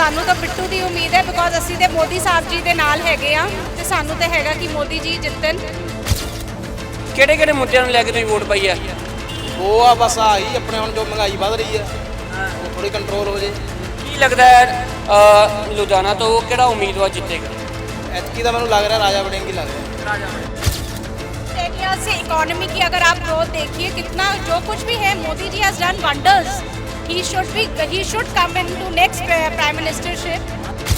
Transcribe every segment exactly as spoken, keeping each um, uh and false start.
ਸਾਨੂੰ ਤਾਂ ਬਿੱਟੂ ਦੀ ਉਮੀਦ ਹੈ ਬਿਕੋਜ਼ ਅਸੀਂ ਤੇ ਮੋਦੀ ਸਾਹਿਬ ਜੀ ਦੇ ਨਾਲ ਹੈਗੇ ਆ ਤੇ ਸਾਨੂੰ ਤੇ ਹੈਗਾ ਕਿ ਮੋਦੀ ਜੀ ਜਿੱਤਣ। ਕਿਹੜੇ ਕਿਹੜੇ ਮੁੱਦਿਆਂ ਨੂੰ ਲੈ ਕੇ ਤੁਸੀਂ ਵੋਟ ਪਾਈ ਆ? ਉਹ ਆ ਬਸ ਆਹੀ ਆਪਣੇ ਹੁਣ ਜੋ ਮਹਿੰਗਾਈ ਵੱਧ ਰਹੀ ਹੈ ਉਹ ਥੋੜੀ ਕੰਟਰੋਲ ਹੋ ਜੇ। ਕੀ ਲੱਗਦਾ ਹੈ ਅ, ਲੁਧਿਆਣਾ ਤੋਂ ਕਿਹੜਾ ਉਮੀਦਵਾਰ ਜਿੱਤੇਗਾ? ਐਤਕੀ ਤਾਂ ਮੈਨੂੰ ਲੱਗ ਰਿਹਾ ਰਾਜਾ ਵੜਿੰਗ ਹੀ ਲੱਗ ਰਿਹਾ। ਰਾਜਾ टेन ईयर्स से इकोनॉमी की अगर आप ग्रोथ देखिए कितना जो कुछ भी है Modi ji has done wonders. He should be he should come in to next prime ministership.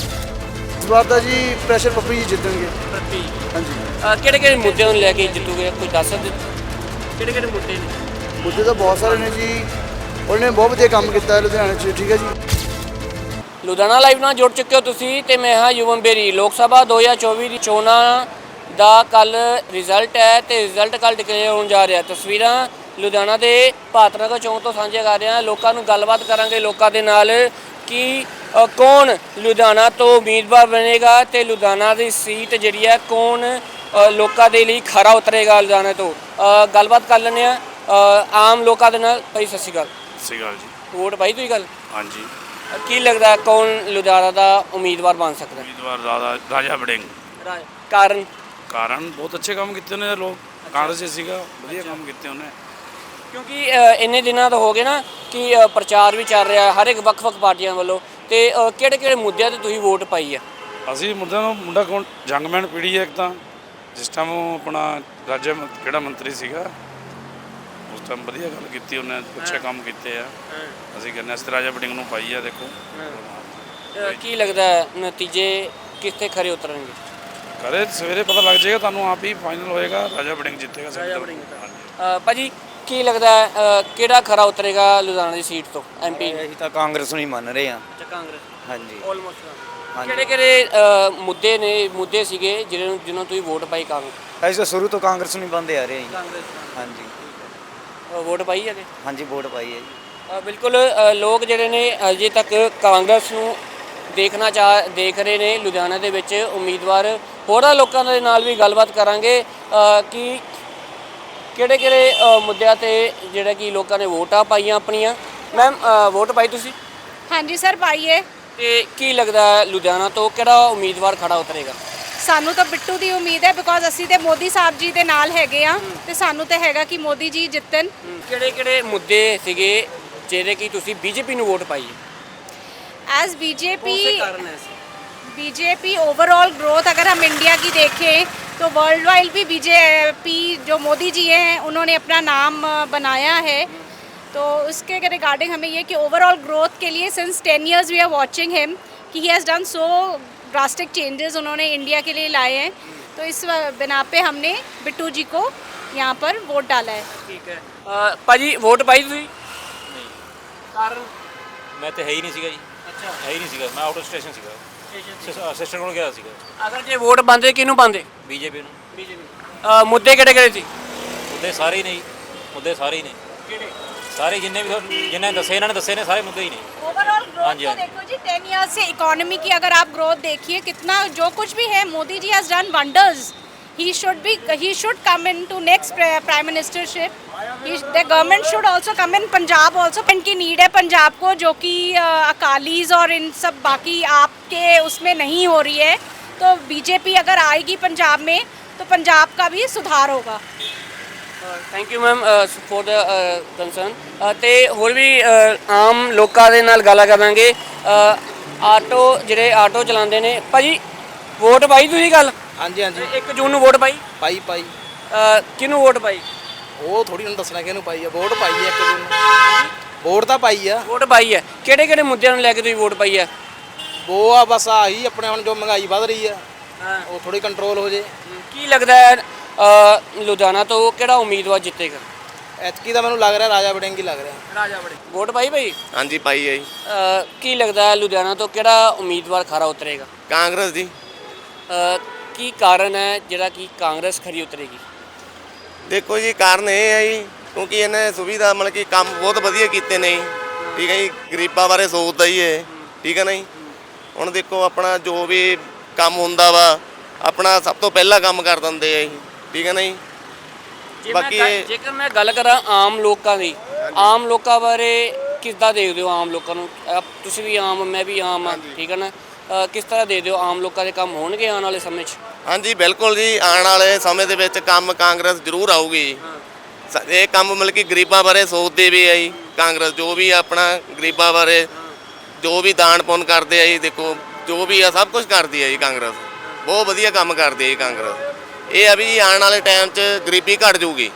इस बार तो जी प्रेशर पप्पू जी जीतेंगे। ਪ੍ਰਤੀ हाँ जी ਕਿਹੜੇ ਕਿਹੜੇ ਮੁੱਦਿਆਂ ਨੂੰ ਲੈ ਕੇ ਜਿੱਤੂਗੇ ਕੋਈ ਦੱਸ ਸਕਦੇ? ਕਿਹੜੇ ਕਿਹੜੇ ਮੁੱਦੇ ਨੇ? मुद्दे तो बहुत सारे ने जी। उन्होंने बहुत ਵਧੀਆ ਕੰਮ ਕੀਤਾ ਹੈ ਲੁਧਿਆਣੇ 'ਚ। ਠੀਕ ਹੈ ਜੀ। ਲੁਧਿਆਣਾ ਲਾਈਵ ਨਾਲ ਜੁੜ ਚੁੱਕੇ ਹੋ ਤੁਸੀਂ ਤੇ ਮੈਂ ਹਾਂ ਯੁਵਨ ਬੇਰੀ। ਲੋਕ ਸਭਾ ਦੋ ਹਜ਼ਾਰ ਚੌਵੀ ਦੀ ਚੋਣਾਂ ਦਾ ਕੱਲ ਰਿਜ਼ਲਟ ਹੈ ਤੇ ਰਿਜ਼ਲਟ ਕੱਲ ਡਿਕਲੇਅਰ ਹੋਣ ਜਾ ਰਿਹਾ। ਤਸਵੀਰਾਂ ਲੁਧਿਆਣਾ ਦੇ ਭਾਰਤਨਗਰ ਚੌਂਕ ਤੋਂ ਸਾਂਝੇ ਕਰ ਰਹੇ ਹਾਂ। ਲੋਕਾਂ ਨੂੰ ਗੱਲਬਾਤ ਕਰਾਂਗੇ ਲੋਕਾਂ ਦੇ ਨਾਲ ਕਿ ਅ, ਕੌਣ ਲੁਧਿਆਣਾ ਤੋਂ ਉਮੀਦਵਾਰ ਬਣੇਗਾ ਤੇ ਲੁਧਿਆਣਾ ਦੀ ਸੀਟ ਜਿਹੜੀ ਹੈ ਕੌਣ ਅ, ਲੋਕਾਂ ਦੇ ਲਈ ਖਰਾ ਉਤਰੇਗਾ ਲੁਧਿਆਣਾ ਤੋਂ। ਅ, ਗੱਲਬਾਤ ਕਰ ਲੈਂਦੇ ਹਾਂ ਆਮ ਲੋਕਾਂ ਦੇ ਨਾਲ। ਭਾਈ ਸਤਿ ਸ਼੍ਰੀ ਅਕਾਲ। ਸਤਿ ਸ਼੍ਰੀ ਅਕਾਲ ਜੀ। ਵੋਟ ਪਾਈ ਤੁਸੀਂ ਗੱਲ? ਹਾਂਜੀ, ਅ, ਕੀ ਲੱਗਦਾ ਕੌਣ ਲੁਧਿਆਣਾ ਦਾ ਉਮੀਦਵਾਰ ਬਣ ਸਕਦਾ? ਉਮੀਦਵਾਰ ਰਾਜਾ ਰਾਜਾ ਵੜਿੰਗ। ਕਾਰਨ ਕਾਰਨ ਬਹੁਤ ਅੱਛੇ ਕੰਮ ਕੀਤੇ ਨੇ ਲੋਕ। ਕਾਂਗਰਸ 'ਚ ਸੀਗਾ, ਵਧੀਆ ਕੰਮ ਕੀਤੇ ਉਹਨੇ। ਕਿਉਂਕਿ ਅ, ਇੰਨੇ ਦਿਨਾਂ ਤੋਂ ਹੋ ਗਏ ਨਾ ਕਿ ਅ, ਪ੍ਰਚਾਰ ਵੀ ਚੱਲ ਰਿਹਾ ਹਰ ਇੱਕ ਵੱਖ-ਵੱਖ ਪਾਰਟੀਆਂ ਵੱਲੋਂ ਤੇ ਕਿਹੜੇ ਕਿਹੜੇ ਮੁੱਦਿਆਂ ਤੇ ਤੁਸੀਂ ਵੋਟ ਪਾਈ ਆ? ਅਸੀਂ ਮੁੰਡਿਆਂ ਨੂੰ ਮੁੰਡਾ ਕੌਣ ਜੰਗਮੈਨ ਪੀੜੀ ਹੈ ਇੱਕ ਤਾਂ, ਜਿਸ ਟਾਈਮ ਉਹ ਆਪਣਾ ਰਾਜ ਕਿਹੜਾ ਮੰਤਰੀ ਸੀਗਾ ਉਸ ਟਾਈਮ ਵਧੀਆ ਗੱਲ ਕੀਤੀ ਉਹਨੇ, ਅੱਛੇ ਕੰਮ ਕੀਤੇ ਆ। ਅਸੀਂ ਕਹਿੰਦੇ ਅਸੀਂ ਰਾਜਾ ਵੜਿੰਗ ਨੂੰ ਪਾਈ ਆ। ਦੇਖੋ ਅ, ਕੀ ਲੱਗਦਾ ਹੈ ਨਤੀਜੇ ਕਿੱਥੇ ਖਰੇ ਉਤਰਨਗੇ? ਕਰੇ ਸਵੇਰੇ ਪਤਾ ਲੱਗ ਜਾਏਗਾ ਤੁਹਾਨੂੰ, ਆਪ ਹੀ ਫਾਈਨਲ ਹੋਏਗਾ। ਰਾਜਾ ਵੜਿੰਗ ਜਿੱਤੇਗਾ। ਰਾਜਾ ਵੜਿੰਗ। ਅ, ਭਾਜੀ ਕੀ ਲੱਗਦਾ ਹੈ ਅ, ਕਿਹੜਾ ਖਰਾ ਉਤਰੇਗਾ ਲੁਧਿਆਣਾ ਦੀ ਸੀਟ ਤੋਂ ਐਮਪੀ? ਅਸੀਂ ਤਾਂ ਕਾਂਗਰਸ ਨੂੰ ਹੀ ਮੰਨ ਰਹੇ ਹਾਂ। ਅੱਛਾ, ਕਾਂਗਰਸ ਹਾਂਜੀ ਆਲਮੋਸਟ। ਹਾਂਜੀ। ਕਿਹੜੇ ਕਿਹੜੇ ਅ, ਮੁੱਦੇ ਨੇ ਮੁੱਦੇ ਸੀਗੇ ਜਿਹਨਾਂ ਨੂੰ ਜਿਹਨਾਂ ਨੂੰ ਤੁਸੀਂ ਵੋਟ ਪਾਈ? ਕਾਂਗਰਸ ਅਸੀਂ ਤਾਂ ਸ਼ੁਰੂ ਤੋਂ ਕਾਂਗਰਸ ਨੂੰ ਹੀ ਬੰਦੇ ਆ ਰਹੇ ਹਾਂ ਜੀ। ਕਾਂਗਰਸ ਹਾਂਜੀ ਵੋਟ ਪਾਈ ਹੈ ਜੀ? ਹਾਂਜੀ ਵੋਟ ਪਾਈ ਹੈ ਜੀ। ਅ, ਬਿਲਕੁਲ ਅ, ਲੋਕ ਜਿਹੜੇ ਨੇ ਅਜੇ ਤੱਕ ਕਾਂਗਰਸ ਨੂੰ ਦੇਖਣਾ ਚਾਹ ਦੇਖ ਰਹੇ ਨੇ ਲੁਧਿਆਣਾ ਦੇ ਵਿੱਚ ਉਮੀਦਵਾਰ। ਹੋਰਾਂ ਲੋਕਾਂ ਦੇ ਨਾਲ ਵੀ ਗੱਲਬਾਤ ਕਰਾਂਗੇ ਅ, ਕਿ ਕਿਹੜੇ ਕਿਹੜੇ ਅ, ਮੁੱਦਿਆਂ ਤੇ ਜਿਹੜਾ ਕਿ ਲੋਕਾਂ ਨੇ ਵੋਟਾਂ ਪਾਈਆਂ ਆਪਣੀਆਂ। ਮੈਮ ਵੋਟ ਪਾਈ ਤੁਸੀਂ हाँ जी सर पाइए। ਤੇ ਕੀ ਲੱਗਦਾ ਹੈ ਲੁਧਿਆਣਾ ਤੋਂ ਕਿਹੜਾ ਉਮੀਦਵਾਰ ਖੜਾ ਉਤਰੇਗਾ? ਸਾਨੂੰ ਤਾਂ ਬਿੱਟੂ ਦੀ ਉਮੀਦ ਹੈ ਬਿਕੋਜ਼ ਅਸੀਂ ਤੇ ਮੋਦੀ ਸਾਹਿਬ ਜੀ ਦੇ ਨਾਲ ਹੈਗੇ ਆ ਤੇ ਸਾਨੂੰ ਤੇ ਹੈਗਾ ਕਿ ਮੋਦੀ ਜੀ ਜਿੱਤਣ। ਕਿਹੜੇ ਕਿਹੜੇ ਮੁੱਦੇ ਸੀਗੇ ਜਿਹੜੇ ਕਿ ਤੁਸੀਂ ਬੀਜੇਪੀ ਨੂੰ ਵੋਟ ਪਾਈ ਹੈ? एज बीजेपी ਕਾਰਨ ਹੈ बीजेपी ओवरऑल ग्रोथ अगर हम इंडिया की देखें तो वर्ल्ड वाइड भी बीजेपी जो मोदी जी हैं उन्होंने अपना नाम अ, बनाया है। तो उसके रिगार्डिंग हमें ये कि ओवरऑल ग्रोथ के लिए since ten years we are watching him कि he has done so drastic changes उन्होंने इंडिया के लिए लाए हैं। तो इस व- बिना पे हमने बिट्टू जी को यहाँ पर वोट डाला है। ਠੀਕ ਹੈ। ਅ, ਭਾਜੀ ਵੋਟ ਪਾਈ ਤੁਸੀਂ? ਕਾਰਨ? ਮੈਂ ਤਾਂ ਹੈ ਹੀ ਨਹੀਂ ਸੀਗਾ ਜੀ। ਅੱਛਾ, ਹੈ ਹੀ ਨਹੀਂ ਸੀਗਾ। ਮੈਂ ਆਊਟ ਆਫ ਸਟੇਸ਼ਨ ਸੀਗਾ। ਸਿਸਟਰ ਕੋਲ ਗਿਆ ਸੀਗਾ। ਅਗਰ ਜੇ ਵੋਟ ਪਾਉਂਦੇ ਕਿਹਨੂੰ ਪਾਉਂਦੇ? ਬੀਜੇਪੀ ਨੂੰ। ਬੀਜੇਪੀ। ਮੁੱਦੇ ਕਿਹੜੇ ਕਿਹੜੇ ਸੀ? ਮੁੱਦੇ ਸਾਰੇ ਹੀ ਨੇ ਜੀ। ਮੁੱਦੇ ਸਾਰੇ ਹੀ ਨੇ। ਕਿਹੜੇ? ਸਾਰੇ ਜਿੰਨੇ ਵੀ ਤੁਹਾਨੂੰ- ਜਿੰਨੇ ਦੱਸੇ ਇਹਨਾਂ ਨੇ ਦੱਸੇ ਨੇ ਸਾਰੇ ਮੁੱਦੇ ਹੀ ਨੇ। ओवरऑल ग्रोथ हाँ जी, तो हाँ जी। देखो जी टेन इयर्स से इकोनॉमी की अगर आप ग्रोथ देखिए कितना जो कुछ भी है Modi ji has done wonders. He should be he should come in to next prime ministership. The government should also come in Punjab also. इनकी नीड है पंजाब को जो कि अकालीज और इन सब बाकी आपके उसमें नहीं हो रही है। तो बीजेपी अगर आएगी पंजाब में तो पंजाब का भी सुधार होगा। Thank you ma'am for the concern. ਤੇ ਹੋਰ ਵੀ ਅ, ਆਮ ਲੋਕਾਂ ਦੇ ਨਾਲ ਗੱਲਾਂ ਕਰਾਂਗੇ। ਅ, ਆਟੋ ਜਿਹੜੇ ਆਟੋ ਚਲਾਉਂਦੇ ਨੇ। ਭਾਜੀ ਵੋਟ ਪਾਈ ਤੁਸੀਂ ਗੱਲ? ਹਾਂਜੀ ਹਾਂਜੀ ਇੱਕ ਜੂਨ ਨੂੰ ਵੋਟ ਪਾਈ? ਪਾਈ ਪਾਈ। ਅ, ਕਿਹਨੂੰ ਵੋਟ ਪਾਈ? ਉਹ ਥੋੜੀ ਨੂੰ ਦੱਸਣਾ ਕਿਹਨੂੰ ਪਾਈ ਆ। ਵੋਟ ਪਾਈ ਆ ਇੱਕ ਦਿਨ। ਵੋਟ ਤਾਂ ਪਾਈ ਆ। ਵੋਟ ਪਾਈ ਹੈ। ਕਿਹੜੇ ਕਿਹੜੇ ਮੁੱਦਿਆਂ ਨੂੰ ਲੈ ਕੇ ਤੁਸੀਂ ਵੋਟ ਪਾਈ ਹੈ? ਉਹ ਆ ਬਸ ਆਹੀ ਆਪਣੇ ਹੁਣ ਜੋ ਮਹਿੰਗਾਈ ਵੱਧ ਰਹੀ ਹੈ ਹਾਂ। ਉਹ ਥੋੜੀ ਕੰਟਰੋਲ ਹੋ ਜੇ। ਕੀ ਲੱਗਦਾ ਹੈ ਅ, ਲੁਧਿਆਣਾ ਤੋਂ ਕਿਹੜਾ ਉਮੀਦਵਾਰ ਜਿੱਤੇਗਾ? ਐਤਕੀ ਤਾਂ ਮੈਨੂੰ ਲੱਗ ਰਿਹਾ ਰਾਜਾ ਵੜਿੰਗ ਹੀ ਲੱਗ ਰਿਹਾ। ਰਾਜਾ ਵੜਿੰਗ। ਵੋਟ ਪਾਈ ਭਾਈ? ਹਾਂਜੀ ਪਾਈ ਹੈ ਜੀ। ਅ, ਕੀ ਲੱਗਦਾ ਹੈ ਲੁਧਿਆਣਾ ਤੋਂ ਕਿਹੜਾ ਉਮੀਦਵਾਰ ਖਰਾ ਉਤਰੇਗਾ? ਕਾਂਗਰਸ ਦੀ। ਅ, ਕੀ ਕਾਰਨ ਹੈ ਜਿਹੜਾ ਕਿ ਕਾਂਗਰਸ ਖਰੀ ਉਤਰੇਗੀ? ਦੇਖੋ ਜੀ ਕਾਰਨ ਇਹ ਹੈ ਜੀ ਕਿਉਂਕਿ ਇਹਨੇ ਸੁਵਿਧਾ ਮਤਲਬ ਕਿ ਕੰਮ ਬਹੁਤ ਵਧੀਆ ਕੀਤੇ ਨੇ ਜੀ। ਠੀਕ ਹੈ ਜੀ, ਗਰੀਬਾਂ ਬਾਰੇ ਸੋਚਦਾ ਹੀ ਇਹ। ਠੀਕ ਹੈ ਨਾ ਜੀ। ਹੁਣ ਦੇਖੋ ਆਪਣਾ ਜੋ ਵੀ ਕੰਮ ਹੁੰਦਾ ਵਾ ਆਪਣਾ ਸਭ ਤੋਂ ਪਹਿਲਾਂ ਕੰਮ ਕਰ ਦਿੰਦੇ ਆ ਜੀ। ਠੀਕ ਹੈ ਨਾ ਜੀ। ਜੇ ਬਾਕੀ ਮੈਂ ਗੱਲ- ਇਹ- ਜੇਕਰ ਮੈਂ ਗੱਲ ਕਰਾਂ ਆਮ ਲੋਕਾਂ ਦੀ, ਆਮ ਲੋਕਾਂ ਬਾਰੇ ਕਿੱਦਾਂ ਦੇਖਦੇ ਹੋ ਆਮ ਲੋਕਾਂ ਨੂੰ? ਅਹ ਤੁਸੀਂ ਵੀ ਆਮ, ਮੈਂ ਵੀ ਆਮ ਆ, ਠੀਕ ਹੈ ਨਾ? ਅਹ ਕਿਸ ਤਰ੍ਹਾਂ ਦੇਖਦੇ ਹੋ ਆਮ ਲੋਕਾਂ ਦੇ ਕੰਮ ਹੋਣਗੇ ਆਉਣ ਵਾਲੇ ਸਮੇਂ 'ਚ? ਹਾਂਜੀ ਬਿਲਕੁਲ ਜੀ, ਆਉਣ ਵਾਲੇ ਸਮੇਂ ਦੇ ਵਿੱਚ ਕੰਮ ਕਾਂਗਰਸ ਜ਼ਰੂਰ ਆਊਗੀ। ਸ- ਇਹ ਕੰਮ ਮਤਲਬ ਕਿ ਗਰੀਬਾਂ ਬਾਰੇ ਸੋਚਦੇ ਵੀ ਆ ਜੀ ਕਾਂਗਰਸ, ਜੋ ਵੀ ਆਪਣਾ ਗਰੀਬਾਂ ਬਾਰੇ ਜੋ ਵੀ ਦਾਨ ਪੁੰਨ ਕਰਦੇ ਆ ਜੀ, ਦੇਖੋ ਜੋ ਵੀ ਆ ਸਭ ਕੁਝ ਕਰਦੀ ਆ ਜੀ ਕਾਂਗਰਸ। ਬਹੁਤ ਵਧੀਆ ਕੰਮ ਕਰਦੀ ਆ ਜੀ ਕਾਂਗਰਸ। ਇਹ ਆ ਵੀ ਜੀ ਆਉਣ ਵਾਲੇ ਟਾਈਮ 'ਚ ਗਰੀਬੀ ਘਟ ਜਾਊਗੀ।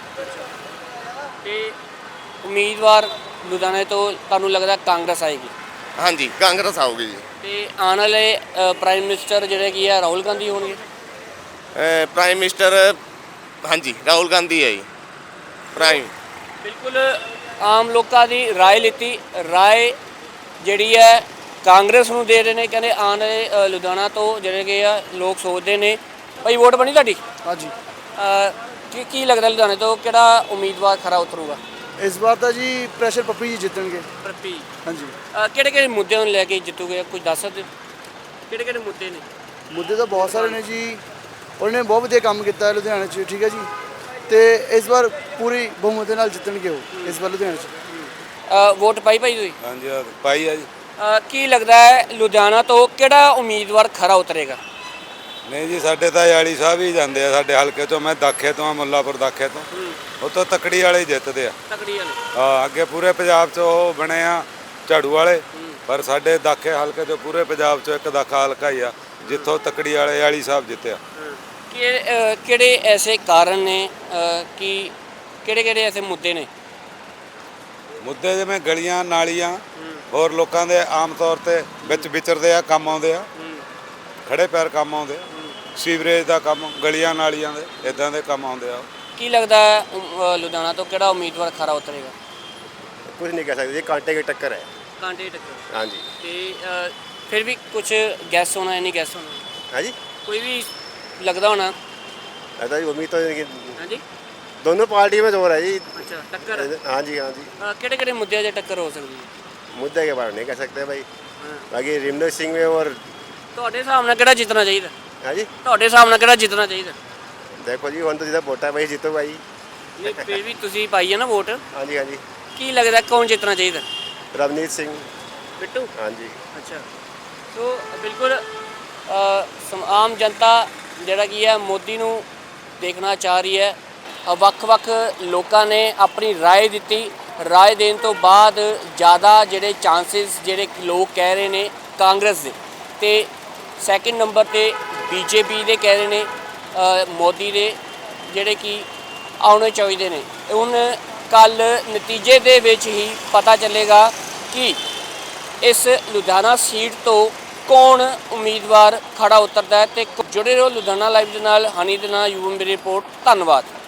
ਤੇ ਉਮੀਦਵਾਰ ਲੁਧਿਆਣੇ ਤੋਂ ਤੁਹਾਨੂੰ ਲੱਗਦਾ ਕਾਂਗਰਸ ਆਏਗੀ? ਹਾਂਜੀ ਕਾਂਗਰਸ ਆਊਗੀ ਜੀ। ਤੇ ਆਉਣ ਵਾਲੇ ਪ੍ਰਾਈਮ ਮਿਨਿਸਟਰ ਜਿਹੜੇ ਕੀ ਆ ਰਾਹੁਲ ਗਾਂਧੀ ਹੋਣਗੇ? ਅਹ ਪ੍ਰਾਈਮ ਮਿਨਿਸਟਰ ਹਾਂਜੀ ਰਾਹੁਲ ਗਾਂਧੀ ਹੈ ਜੀ ਪ੍ਰਾਈਮ। ਬਿਲਕੁਲ ਆਮ ਲੋਕਾਂ ਦੀ ਰਾਏ ਲਿੱਤੀ, ਰਾਏ ਜਿਹੜੀ ਹੈ ਕਾਂਗਰਸ ਨੂੰ ਦੇ ਰਹੇ ਨੇ। ਕਹਿੰਦੇ ਆਉਣ ਵਾਲੇ ਅ, ਲੁਧਿਆਣਾ ਤੋਂ ਜਿਹੜੇ ਕਿ ਆ ਲੋਕ ਸੋਚਦੇ ਨੇ। ਭਾਈ ਵੋਟ ਬਣੀ ਤੁਹਾਡੀ? ਹਾਂਜੀ ਅ, ਕੀ ਕੀ ਲੱਗਦਾ ਲੁਧਿਆਣੇ ਤੋਂ ਕਿਹੜਾ ਉਮੀਦਵਾਰ ਖਰਾ ਉਤਰੂਗਾ? ਇਸ ਵਾਰ ਤਾਂ ਜੀ ਪ੍ਰੈਸ਼ਰ ਪੱਪੀ ਜੀ ਜਿੱਤਣਗੇ। ਪ੍ਰਤੀ ਹਾਂਜੀ ਕਿਹੜੇ ਕਿਹੜੇ ਮੁੱਦਿਆਂ ਨੂੰ ਲੈ ਕੇ ਜਿੱਤੂਗੇ, ਕੁਝ ਦੱਸ ਸਕਦੇ ਹੋ? ਕਿਹੜੇ ਕਿਹੜੇ ਮੁੱਦੇ ਨੇ? ਮੁੱਦੇ ਤਾਂ ਬਹੁਤ ਸਾਰੇ ਨੇ ਜੀ। ਉਹਨੇ ਬਹੁਤ ਵਧੀਆ ਕੰਮ ਕੀਤਾ ਹੈ ਲੁਧਿਆਣੇ 'ਚ, ਠੀਕ ਹੈ ਜੀ। ਤੇ ਇਸ ਵਾਰ ਪੂਰੀ ਬਹੁਮਤ ਦੇ ਨਾਲ ਜਿੱਤਣਗੇ ਉਹ ਇਸ ਵਾਰ ਲੁਧਿਆਣੇ 'ਚ। ਅ, ਵੋਟ ਪਾਈ ਭਾਈ ਤੁਸੀਂ? ਹਾਂਜੀ ਪਾਈ ਆ ਜੀ। ਅ, ਕੀ ਲੱਗਦਾ ਹੈ ਲੁਧਿਆਣਾ ਤੋਂ ਕਿਹੜਾ ਉਮੀਦਵਾਰ ਖਰਾ ਉਤਰੇਗਾ? ਨਹੀਂ ਜੀ, ਸਾਡੇ ਤਾਂ ਯਾਲੀ ਸਾਹਿਬ ਹੀ ਜਾਂਦੇ ਆ ਸਾਡੇ ਹਲਕੇ ਤੋਂ। ਮੈਂ ਦਾਖੇ ਤੋਂ ਆ, ਮੁੱਲਾਪੁਰ ਦਾਖੇ ਤੋਂ। ਉਹ ਤੋਂ ਤਕੜੀ ਵਾਲੇ ਹੀ ਜਿੱਤਦੇ ਆ। ਤਕੜੀ ਵਾਲੇ? ਹਾਂ, ਅੱਗੇ ਪੂਰੇ ਪੰਜਾਬ 'ਚ ਉਹ ਬਣੇ ਆ ਝਾੜੂ ਵਾਲੇ, ਪਰ ਸਾਡੇ ਦਾਖੇ ਹਲਕੇ 'ਚੋਂ ਪੂਰੇ ਪੰਜਾਬ 'ਚੋਂ ਇੱਕ ਦਾਖਾ ਹਲਕਾ ਹੀ ਆ ਜਿੱਥੋਂ ਤਕੜੀ ਵਾਲੇ ਯਾਲੀ ਸਾਹਿਬ ਜਿੱਤਿਆ। ਕਿ ਅ, ਕਿਹੜੇ ਐਸੇ ਕਾਰਨ ਨੇ ਅ, ਕਿ ਕਿਹੜੇ ਕਿਹੜੇ ਐਸੇ ਮੁੱਦੇ ਨੇ? ਮੁੱਦੇ ਜਿਵੇਂ ਗਲੀਆਂ ਨਾਲੀਆਂ ਹੋਰ ਲੋਕਾਂ ਦੇ ਆਮ ਤੌਰ ਤੇ ਵਿੱਚ ਵਿਚਰਦੇ ਆ, ਕੰਮ ਆਉਂਦੇ ਆ, ਖੜੇ ਪੈਰ ਕੰਮ ਆਉਂਦੇ ਆ। ਸੀਵਰੇਜ ਦਾ ਕੰਮ, ਗਲੀਆਂ ਨਾਲੀਆਂ ਦੇ ਇਦਾਂ ਦੇ ਕੰਮ ਆਉਂਦੇ ਆ। ਕੀ ਲੱਗਦਾ ਹੈ ਅ, ਲੁਧਿਆਣਾ ਤੋਂ ਕਿਹੜਾ ਉਮੀਦਵਾਰ ਖਰਾ ਉਤਰੇਗਾ? कुछ नहीं कह सकते, ये कांटे की टक्कर है। ਕਾਂਟੇ ਟੱਕਰ? हाँ जी। ਤੇ ਅ, ਫਿਰ ਵੀ ਕੁਝ ਗੈਸ ਹੋਣਾ, ਨਹੀਂ ਗੈਸ ਹੋਣਾ? हाँ जी, ਕੋਈ ਵੀ ਲੱਗਦਾ ਹੋਣਾ? ऐसा ही उम्मीद तो है कि ਹਾਂਜੀ। दोनों पार्टी में जोर है जी। ਅੱਛਾ, ਟੱਕਰ। हाँ जी हाँ जी। ਅ, ਕਿਹੜੇ ਕਿਹੜੇ ਮੁੱਦਿਆਂ 'ਚ ਟੱਕਰ ਹੋ ਸਕਦੀ ਹੈ? मुद्दे के बारे में नहीं कह सकते भाई। बाकी रिमनोज सिंह में और ਤੁਹਾਡੇ ਹਿਸਾਬ ਨਾਲ ਕਿਹੜਾ ਜਿੱਤਣਾ ਚਾਹੀਦਾ? हाँ जी, ਤੁਹਾਡੇ ਹਿਸਾਬ ਨਾਲ ਕਿਹੜਾ ਜਿੱਤਣਾ ਚਾਹੀਦਾ? देखो जी हम तो जितना वोटा है भाई जीतो भाई। ਨਹੀਂ ਫਿਰ ਵੀ ਤੁਸੀਂ ਪਾਈ ਹੈ ਨਾ ਵੋਟ। हाँ जी हाँ जी। ਕੀ ਲੱਗਦਾ ਕੌਣ ਜਿੱਤਣਾ ਚਾਹੀਦਾ? रवनीत सिंह। ਬਿੱਟੂ? हाँ जी। ਅੱਛਾ। ਸੋ ਬਿਲਕੁਲ ਅ, ਸਮ- ਆਮ ਜਨਤਾ ਜਿਹੜਾ ਕੀ ਹੈ ਮੋਦੀ ਨੂੰ ਦੇਖਣਾ ਚਾਹ ਰਹੀ ਹੈ। ਅ, ਵੱਖ-ਵੱਖ ਲੋਕਾਂ ਨੇ ਆਪਣੀ ਰਾਏ ਦਿੱਤੀ। ਰਾਏ ਦੇਣ ਤੋਂ ਬਾਅਦ ਜ਼ਿਆਦਾ ਜਿਹੜੇ ਚਾਂਸਸ ਜਿਹੜੇ ਕਿ ਲੋਕ ਕਹਿ ਰਹੇ ਨੇ ਕਾਂਗਰਸ ਦੇ, ਤੇ ਸੈਕਿੰਡ ਨੰਬਰ ਤੇ ਬੀਜੇਪੀ ਦੇ ਕਹਿ ਰਹੇ ਨੇ, ਅ, ਮੋਦੀ ਦੇ ਜਿਹੜੇ ਕਿ ਆਉਣੇ ਚਾਹੀਦੇ ਨੇ। ਹੁਣ ਕੱਲ ਨਤੀਜੇ ਦੇ ਵਿੱਚ ਹੀ ਪਤਾ ਚੱਲੇਗਾ ਕਿ ਇਸ ਲੁਧਿਆਣਾ ਸੀਟ ਤੋਂ ਕੌਣ ਉਮੀਦਵਾਰ ਖੜਾ ਉਤਰਦਾ ਹੈ। ਤੇ ਜੁੜੇ ਰਹੋ ਲੁਧਿਆਣਾ ਲਾਈਵ ਦੇ ਨਾਲ। ਹਨੀ ਦੇ ਨਾਲ ਯੂਐਮ ਦੀ ਰਿਪੋਰਟ। ਧੰਨਵਾਦ।